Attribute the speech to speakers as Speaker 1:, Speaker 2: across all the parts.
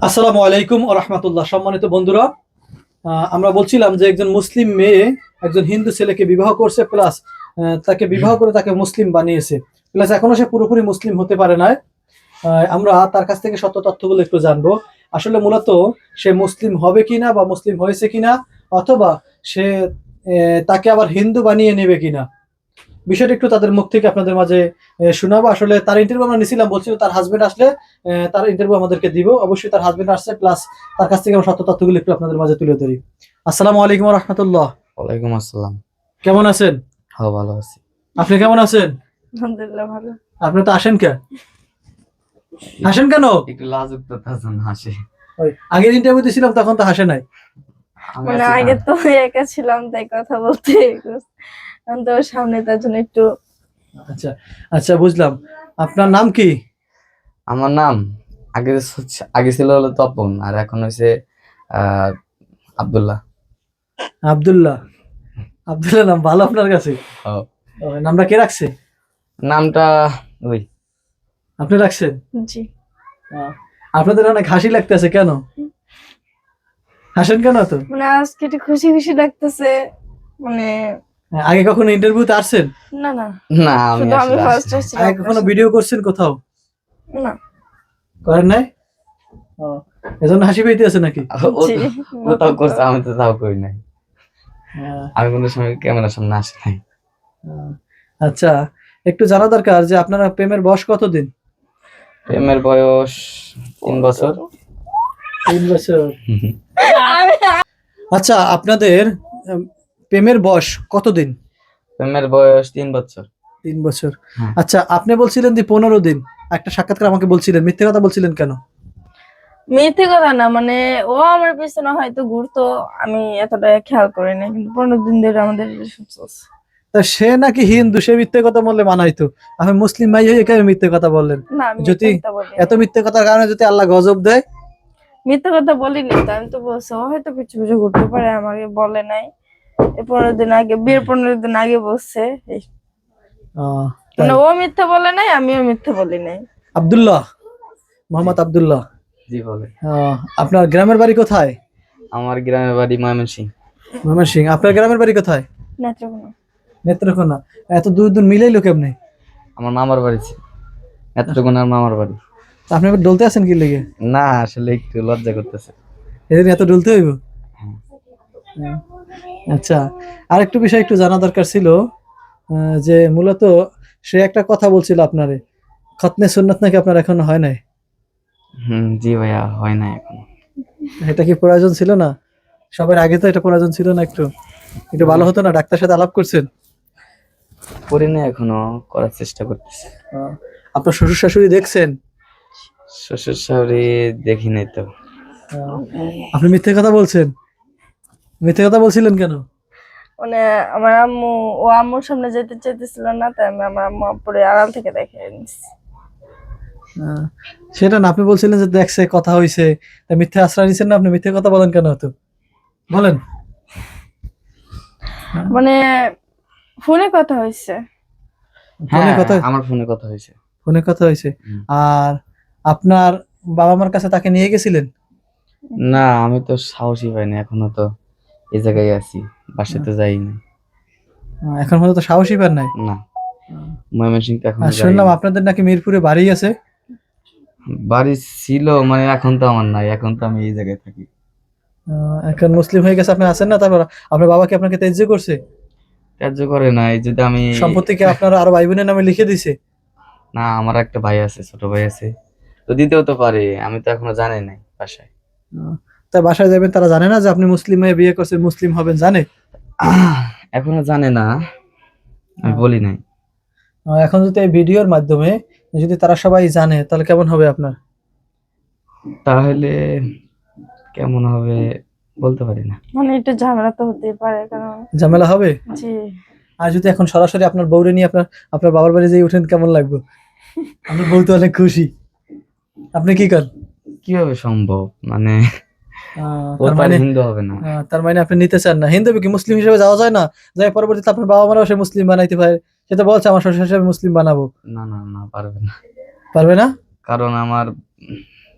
Speaker 1: আসসালামু আলাইকুম ওয়া রাহমাতুল্লাহ। সম্মানিত বন্ধুরা, আমরা বলছিলাম যে একজন মুসলিম মেয়ে একজন হিন্দু ছেলেকে বিবাহ করছে, প্লাস তাকে বিবাহ করে তাকে মুসলিম বানিয়েছে, প্লাস এখনো সে পুরোপুরি মুসলিম হতে পারে না। আমরা তার কাছ থেকে সত্য তথ্যগুলো একটু জানবো। আসলে মূলত সে মুসলিম হবে কিনা বা মুসলিম হয়েছে কিনা, অথবা সে তাকে আবার হিন্দু বানিয়ে নেবে কিনা, বিষয়টা একটু তাদের মুখ থেকে আপনাদের মাঝে শোনাবো। আসলে তার ইন্টারভিউ আমরা নিছিলাম, বলছিল তার হাজবেন্ড আসলে তার ইন্টারভিউ আমাদেরকে দিব। অবশ্যই তার হাজবেন্ড আসছে, প্লাস তার কাছ থেকে আমরা সত্য তথ্যগুলো একটু আপনাদের মাঝে তুলে ধরি। আসসালামু আলাইকুম ওয়া রাহমাতুল্লাহ।
Speaker 2: ওয়ালাইকুম আসসালাম।
Speaker 1: কেমন আছেন?
Speaker 2: হ্যাঁ, ভালো আছি।
Speaker 1: আপনি কেমন আছেন?
Speaker 3: আলহামদুলিল্লাহ ভালো।
Speaker 1: আপনি তো আসেন কে? হাসেন কেন?
Speaker 2: একটু লাজুক তো তাজন হাসি।
Speaker 1: ওই আগের ইন্টারভিউ দিছিলাম তখন তো হাসে নাই।
Speaker 2: আমি
Speaker 3: মানে
Speaker 2: আছি
Speaker 3: আগে
Speaker 2: না।
Speaker 3: তো একা ছিলাম তাই কথা বলতে এখন তো সামনে তার জন্য একটু
Speaker 1: আচ্ছা আচ্ছা, বুঝলাম। আপনার নাম কি?
Speaker 2: আমার নাম আগে ছিল হলো তপন, আর এখন হয়েছে আব্দুল্লাহ।
Speaker 1: আব্দুল্লাহ। আব্দুল্লাহ নাম ভালো আপনার কাছে?
Speaker 2: হ্যাঁ।
Speaker 1: নামটা কে রাখছে?
Speaker 2: নামটা ওই
Speaker 1: আপনি রাখছেন?
Speaker 3: জি।
Speaker 1: আপনাদের অনেক হাসি লাগতেছে কেন? হাসেন কেন তো?
Speaker 3: মানে আজকে একটু খুশি খুশি লাগতেছে। মানে
Speaker 1: আগে কখনো ইন্টারভিউতে আসছেন?
Speaker 3: না না,
Speaker 2: না, আমি
Speaker 3: শুধু আমি
Speaker 2: আসলে
Speaker 3: ফার্স্ট
Speaker 2: আসিনি।
Speaker 3: আসছিলাম
Speaker 1: আগে কখনো ভিডিও করছেন কোথাও?
Speaker 3: না।
Speaker 1: করেন নাই? ও, এজন্য হাসি পেইতে আছে নাকি?
Speaker 2: ও
Speaker 3: জি।
Speaker 2: কোথাও করছে, আমি তো তাও করি নাই।
Speaker 1: আহ,
Speaker 2: আমি কোনো সময় ক্যামেরার সামনে আসি নাই।
Speaker 1: আহ, আচ্ছা, একটু জানা দরকার যে আপনারা প্রেমের বয়স কতদিন?
Speaker 2: প্রেমের বয়স 3 বছর।
Speaker 1: 3 বছর। আচ্ছা, আপনাদের প্রেমের বয়স কতদিন?
Speaker 2: প্রেমের বয়স 3 বছর।
Speaker 1: 3 বছর।
Speaker 2: হ্যাঁ।
Speaker 1: আচ্ছা, আপনি বলছিলেন যে 15 দিন। একটা সাক্ষাৎকার আমাকে বলছিলেন, মিথ্যে কথা বলছিলেন কেন?
Speaker 3: মিথ্যে কথা না, মানে ও আমার পিছনে হয়তো ঘুরতো, আমি এতটা খেয়াল করি না, কিন্তু 15 দিন ধরে আমাদের রিলেশন চলছে।
Speaker 1: তা সে নাকি হিন্দু, সে মিথ্যে কথা বললে মানাইতো। আপনি মুসলিম ভাই হয়ে কেন মিথ্যে কথা বললেন?
Speaker 3: না, আমি
Speaker 1: যদি
Speaker 3: মিথ্যে কথা বলি
Speaker 1: এত মিথ্যে কথার কারণে যদি আল্লাহ গজব দেয়?
Speaker 3: মিথ্যে কথা বলিনি তো, আমি তো বলছি ও হয়তো পিছু পিছু ঘুরতে পারে, আমাকে বলে নাই। এই 15 দিন আগে, বিয়ের 15 দিন আগে বলছে এই।
Speaker 1: আহ, তাই।
Speaker 3: মানে ও মিথ্যে বলে নাই, আমিও মিথ্যে বলি নাই।
Speaker 1: আব্দুল্লাহ, মোহাম্মদ আব্দুল্লাহ।
Speaker 2: জি বলে।
Speaker 1: আপনার গ্রামের বাড়ি কোথায়?
Speaker 2: আমার গ্রামের বাড়ি ময়মনসিংহ।
Speaker 1: ময়মনসিংহ। আপনার গ্রামের বাড়ি কোথায়?
Speaker 3: নেত্রকোনা।
Speaker 1: নেত্রকোনা। এত দূর দূর মিলাইলো কেমনে?
Speaker 2: আমার মামার বাড়ি নেত্রকোনার মামার বাড়ি।
Speaker 1: তা আপনি এবার ডলতে আছেন কি লেগে?
Speaker 2: না, আসলে একটু লজ্জা করতেছে।
Speaker 1: এদিন এত ডলতে হইব?
Speaker 2: হ্যাঁ।
Speaker 1: হ্যাঁ। আচ্ছা, আর একটু বিষয় একটু জানা দরকার ছিল, যে মূলত সে একটা কথা বলছিল আপনারে, খতনে সুন্নাত নাকি আপনার এখনো হয় নাই।
Speaker 2: জি ভাইয়া, হয় না এখন।
Speaker 1: এটা কি প্রয়োজন ছিল না? সবার আগে তো এটা প্রয়োজন ছিল না? একটু একটু ভালো হতো না? ডাক্তার সাথে আলাপ করছেন?
Speaker 2: করি না, এখনো করার চেষ্টা করতেছি।
Speaker 1: আপনার শ্বশুর শাশুড়ি দেখছেন?
Speaker 2: শ্বশুর শাশুড়ি দেখি নাই তো।
Speaker 1: আপনি মিথ্যে কথা বলছেন? মিথ্যে কথা বলছিলেন কেন?
Speaker 3: মানে আমার আম্মু, ও আম্মুর সামনে যেতে চাইতেছিল না, তাই আমি আমার আম্মু পরে আড়াল থেকে দেখে নিচ্ছি।
Speaker 1: সেটা না, আপনি বলছিলেন যে দেখছে, কথা হইছে, তা মিথ্যে আশ্রয় নিছেন না? আপনি মিথ্যে কথা বলেন কেন হতো? বলেন।
Speaker 3: মানে ফোনে কথা হয়েছে।
Speaker 1: ফোনে
Speaker 2: হ্যাঁ,
Speaker 1: কথা,
Speaker 2: আমার ফোনে কথা হয়েছে।
Speaker 1: ফোনে কথা হয়েছে।
Speaker 2: হুম।
Speaker 1: আর আপনার বাবা মার কাছে তাকে নিয়ে গেছিলেন?
Speaker 2: না, আমি তো সাহসই পাইনি, এখনো তো এই জায়গায় আছি, বাসাতে যাইনি।
Speaker 1: এখন পর্যন্ত সাহসী পান নাই?
Speaker 2: না, ময়মনসিংহ এখনো
Speaker 1: আর
Speaker 2: যাইনি।
Speaker 1: শুনলাম আপনাদের নাকি মিরপুরে বাড়ি আছে।
Speaker 2: বাড়ি ছিল, মানে এখন তো আমার নাই, এখন তো আমি এই জায়গায় থাকি।
Speaker 1: এখন মুসলিম হয়ে গেছে, আপনি আছেন না? তারপর আপনার বাবা কি আপনাকে ত্যায্য করছে?
Speaker 2: ত্যায্য করে নাই, যদি আমি
Speaker 1: সম্পত্তি কি আপনার আরো ভাই বোনের নামে লিখে দিছে?
Speaker 2: না, আমার একটা ভাই আছে, ছোট ভাই আছে, তো দিতেও তো পারে, আমি তো এখনো জানি নাই বাসায়।
Speaker 1: তা বাসায় যাবেন, তারা জানে না যে আপনি মুসলিম হয়ে বিয়ে করছেন, মুসলিম হবেন? জানে?
Speaker 2: এখনো জানে না, আমি বলি নাই।
Speaker 1: এখন যদি এই ভিডিওর মাধ্যমে যদি তারা সবাই জানে, তাহলে কেমন হবে আপনার?
Speaker 2: তাহলে কেমন হবে বলতে পারি না।
Speaker 3: মানে একটু ঝামেলা তো হতেই পারে, কারণ
Speaker 1: ঝামেলা হবে?
Speaker 3: জি।
Speaker 1: আর যদি এখন সরাসরি আপনার বউরে নিয়ে আপনার আপনার বাবার বাড়ি যেয়ে উঠেন, কেমন লাগবে? আপনার বউ তো অনেক খুশি। আপনি কি করেন?
Speaker 2: কিভাবে সম্ভব, মানে ও
Speaker 1: তার
Speaker 2: তো আর
Speaker 1: মানে
Speaker 2: হিন্দু হবে না।
Speaker 1: তার মানে আপনি নিতে চান না? হিন্দু কি মুসলিম হিসেবে যাওয়া যায় না? যাই পরবর্তীতে আপনার বাবা মারাও সে মুসলিম বানাইতে পারে। সে তো বলছে আমার শ্বশুর শাশুড়ি মুসলিম বানাবো।
Speaker 2: না না না, পারবে না।
Speaker 1: পারবে না?
Speaker 2: কারণ আমার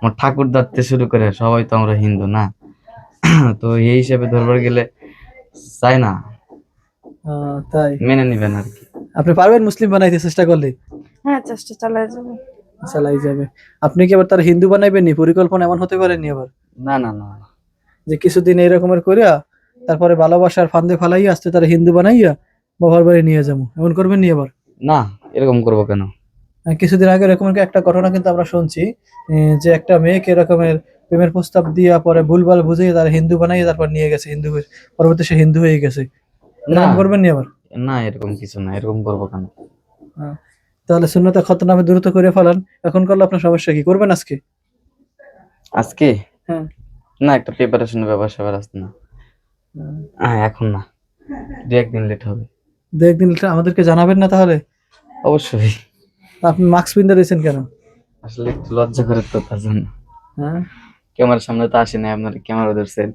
Speaker 2: আমার ঠাকুর দাঁড়তে শুরু করে সবাই তো আমরা হিন্দু না। তো এই হিসেবে ধরবার গেলে চাই না,
Speaker 1: তাই
Speaker 2: মেনে নিবেন আর কি।
Speaker 1: আপনি পারবেন মুসলিম বানাইতে চেষ্টা করলে?
Speaker 3: হ্যাঁ, চেষ্টা চালাই যাবে।
Speaker 1: চালাই যাবে। আপনি কি আবার তার হিন্দু বানাইবেন নি? পরিকল্পনা এমন হতে পারেনি আবার
Speaker 2: না না না
Speaker 1: যে কিছুদিন এইরকমের করিয়া তারপরে ভালোবাসার ফান্দে ফালাইয়া আসতে তারা হিন্দু বানাইয়া বাবার বাড়ি নিয়ে যাবো, এমন করবেন নি আবার?
Speaker 2: না, এরকম করবো কেন?
Speaker 1: কিছুদিন আগে এরকম একটা ঘটনা কিন্তু আমরা শুনছি, যে একটা মেয়েকে এরকমের প্রেমের প্রস্তাব দিয়া পরে ভুলভাল বুঝিয়ে তারা হিন্দু বানাইয়ে তারপর নিয়ে গেছে হিন্দু পরবর্তী সে হিন্দু হয়ে গেছে।
Speaker 2: না
Speaker 1: এরকম করবেন নি আবার?
Speaker 2: না, এরকম কিছু না, এরকম করবো কেন?
Speaker 1: আহ, তাহলে সুন্নতে খতনা দ্রুত করে ফেলান। এখন করলে আপনার সমস্যা কি? করবেন আজকে?
Speaker 2: আজকে
Speaker 1: হ্যাঁ।
Speaker 2: না, একটা প্রিপারেশনের ব্যাপার স্যাপার আছে না। হ্যাঁ, এখন না, দু একদিন লেট হবে।
Speaker 1: দু একদিন আমাদেরকে জানাবেন না তাহলে?
Speaker 2: অবশ্যই।
Speaker 1: আপনি মাস্ক পিনতে রয়েছেন কেন?
Speaker 2: আসলে একটু লজ্জা করে তো, তার জন্য।
Speaker 1: হ্যাঁ,
Speaker 2: ক্যামেরার সামনে তো আসে না, আপনার ক্যামেরা ধরছেন।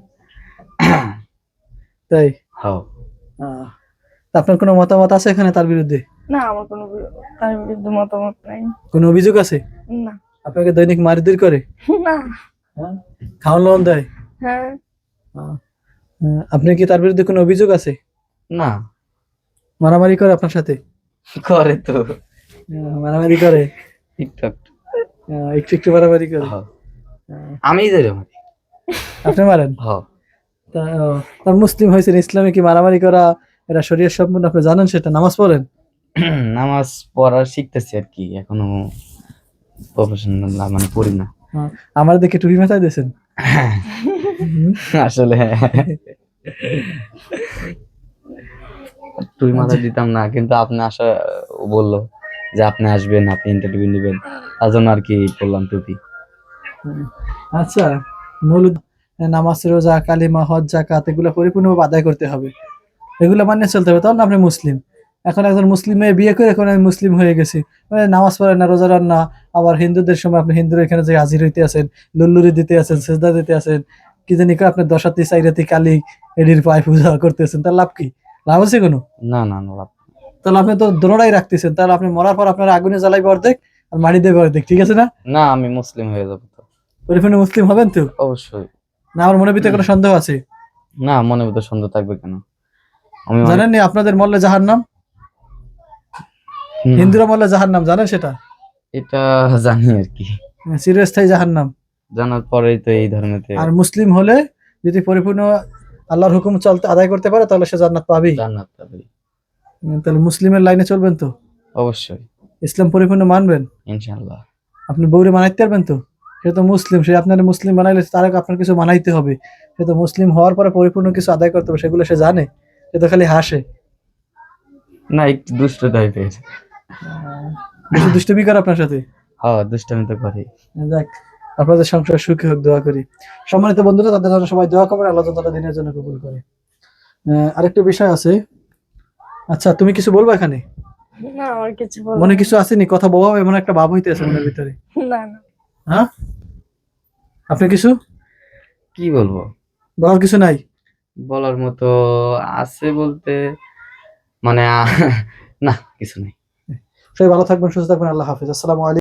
Speaker 1: তাই?
Speaker 2: হ্যাঁ।
Speaker 1: তা আপনার কোনো মতামত আছে এখানে তার বিরুদ্ধে?
Speaker 3: না, আমার কোনো তার বিরুদ্ধে মতামত নাই।
Speaker 1: কোনো অভিযোগ আছে?
Speaker 3: না।
Speaker 1: আপনাকে দৈনিক মারধর করে?
Speaker 3: না।
Speaker 1: হ্যাঁ, খাওয়ান লোন দেয়?
Speaker 3: হ্যাঁ।
Speaker 1: আপনি কি তার বিরুদ্ধে কোনো অভিযোগ আছে?
Speaker 2: না,
Speaker 1: মারামারি করে আপনার সাথে?
Speaker 2: করে তো
Speaker 1: মারামারি করে?
Speaker 2: টিকটক।
Speaker 1: একটু একটু মারামারি করে?
Speaker 2: হ্যাঁ, আমি ধরে মারি।
Speaker 1: আপনি মারেন?
Speaker 2: হ্যাঁ।
Speaker 1: তার মুসলিম হয়েছেন, ইসলামে কি মারামারি করা এটা শরীয়ত সম্পূর্ণ আপনি জানেন? সেটা নামাজ পড়েন?
Speaker 2: নামাজ পড়া শিখতেছি আর কি, এখনো প্রফেশনাল মানে পড়ি না।
Speaker 1: আমার দেখে টুপি মাথায় দিয়েছেন?
Speaker 2: আসলে তুই মাথা দিতাম না, কিন্তু আপনি আসা বললো যে আপনি আসবেন, আপনি ইন্টারভিউ নেবেন, তার জন্য আর কি বললাম টুপি।
Speaker 1: আচ্ছা, মৌলুদ নামাজ, রোজা, কালিমা, হজ, যাকাত এগুলো পরিপূর্ণভাবে আদায় করতে হবে, এগুলো মানিয়ে চলতে হবে, তখন আপনি মুসলিম। এখন একজন মুসলিম মেয়ে বিয়ে করে এখন আমি মুসলিম হয়ে গেছি, মানে নামাজ পড়েন না, রোজা রান না, আবার হিন্দুদের সময় আপনি হিন্দুরা এখানে যে হাজির হইতে আছেন, লুল্লুরি দিতে আছেন, সেজদা দিতে আছেন, কি জানি করে আপনি দশাতি চাইরাতি কালী এডির পায়ে পূজা করতেছেন, তার লাভ কি? লাভ আছে কোনো?
Speaker 2: না না না, লাভ।
Speaker 1: তাহলে আপনি তো দোনোটাই রাখতেছেন, তাহলে আপনি মরার পর আপনার আগুনে জ্বালাইবে অর্ধেক আর মাটি দেবে অর্ধেক, ঠিক আছে না?
Speaker 2: না, আমি মুসলিম হয়ে যাবো তো।
Speaker 1: পরিপূর্ণ মুসলিম হবেন তো?
Speaker 2: অবশ্যই।
Speaker 1: না আমার মনের ভিতরে কোনো সন্দেহ আছে?
Speaker 2: না, মনে ভিতর সন্দেহ থাকবে কেন? আমি অনেক-
Speaker 1: জানেন নি আপনাদের মরলে জাহান্নাম,
Speaker 2: না,
Speaker 1: হিন্দুরা মরলে জাহান্নাম, জানেন সেটা?
Speaker 2: এটা জানি আর কি,
Speaker 1: চিরস্থায়ী জাহান্নাম।
Speaker 2: জানার পরেই তো এই ধর্মেতে
Speaker 1: আর মুসলিম হলে যদি পরিপূর্ণ আল্লাহর হুকুম চলতে আদায় করতে পারে তাহলে সে জান্নাত পাবেই।
Speaker 2: জান্নাত পাবে।
Speaker 1: তাহলে মুসলিমের লাইনে চলবেন তো?
Speaker 2: অবশ্যই,
Speaker 1: ইসলাম পরিপূর্ণ মানবেন?
Speaker 2: ইনশাআল্লাহ।
Speaker 1: আপনি বউরে মানাইতে পারবেন তো? সে তো মুসলিম, সে আপনার মুসলিম বানাইলে তার আগে আপনার কিছু মানাইতে হবে। সে তো মুসলিম হওয়ার পরে পরিপূর্ণ কিছু আদায় করতে হবে, সেগুলো সে জানে? সে তো খালি হাসে।
Speaker 2: না, একটু দুষ্ট টাইপের।
Speaker 1: বেশি দুষ্টুমি করে আপনার সাথে?
Speaker 2: হ্যাঁ, দুষ্টামি তো করি।
Speaker 1: যাক, আপনাদের সংসার সুখী হোক, দোয়া করি। সম্মানিত বন্ধুরা, তাদের জন্য সবাই দোয়া করবেন, আল্লাহ তাআলা দিনের জন্য কবুল করে। আরেকটা বিষয় আছে। আচ্ছা, তুমি কিছু বলবা এখানে?
Speaker 3: না, আমার কিছু বলার
Speaker 1: মনে কিছু আসেনি? কথা বলা এমন একটা ভাব হইতে আছে মনের ভিতরে?
Speaker 3: না। না।
Speaker 1: হ্যাঁ, আপনি কিছু
Speaker 2: কি বলবো?
Speaker 1: বলার কিছু নাই?
Speaker 2: বলার মতো আছে বলতে মানে না, কিছু নেই।
Speaker 1: সবাই ভালো থাকবেন, সুস্থ থাকবেন, আল্লাহ হাফেজ, আসসালামু আলাইকুম।